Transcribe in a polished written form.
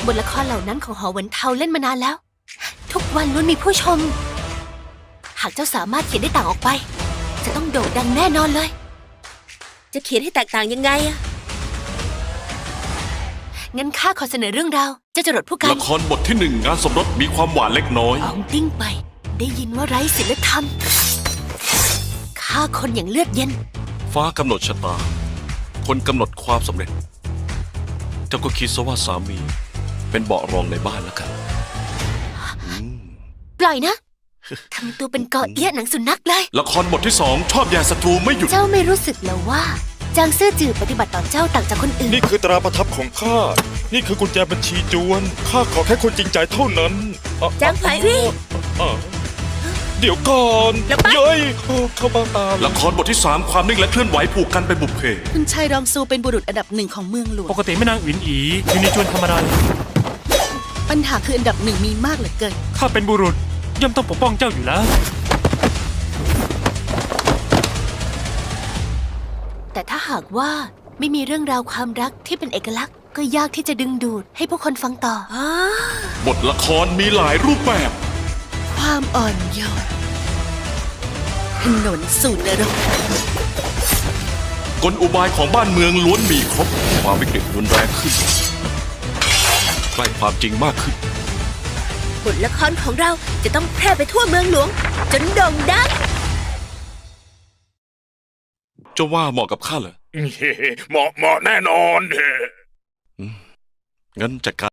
บทละครเหล่านั้นของหอหวนเทาเล่นมานานแล้ว ทุกวันล้วนมีผู้ชม หากเจ้าสามารถเขียนได้ต่างออกไป จะต้องโด่งดังแน่นอนเลยจะเขียนให้แตกต่างยังไงอะงั้นข้าขอเสนอเรื่องราวเจ้าจรดผู้กันละครบทที่ 1 งานสมรสมีความหวานเล็กน้อยอองติ้งไป ได้ยินว่าไร้ศีลธรรมฆ่าคนอย่างเลือดเย็นฟ้ากำหนดชะตา คนกำหนดความสำเร็จ เจ้าก็คิดซะว่าสามีเป็นเบาะรองในบ้านแล้วกันปล่อยนะ ทำตัวเป็นเกาะเอี้ยหนังสุนัขเลยละครบทที่ 2 ชอบแย่ศัตรูไม่หยุดเจ้าไม่รู้สึกแล้วว่า จางซื่อจือปฏิบัติต่อเจ้าต่างจากคนอื่นนี่คือตราประทับของข้า นี่คือกุญแจบัญชีจวน ข้าขอแค่คนจริงใจเท่านั้นอ่ะจางไผ่รี่อ่ะเดี๋ยวก่อนแล้วไปเย้ยเข้าบ้าตาละครบทที่ 3 ความนิ่งและเคลื่อนไหวผูกกันเป็นบุพเพคุณชายรองซูเป็นบุรุษอันดับหนึ่งของเมืองหลวงปกติแม่นางอินอีอยู่ในจวนธรรมดาปัญหาคืออันดับหนึ่งมีมากเหลือเกินข้าเป็นบุรุษย่อมต้องปกป้องเจ้าอยู่แล้วแต่ถ้าหากว่าไม่มีเรื่องราวความรักที่เป็นเอกลักษณ์ ก็ยากที่จะดึงดูดให้ผู้คนฟังต่อบทละครมีหลายรูปแบบความอ่อนโยนถนนสู่นรกกลอุบายของบ้านเมืองล้วนมีครบ ความวิกฤตรุนแรงขึ้น ใกล้ความจริงมากขึ้นบทละครของเราจะต้องแพร่ไปทั่วเมืองหลวง จนโด่งดังเจ้าว่าเหมาะกับข้าเหรอเหมาะแน่นอนงั้นจัดการ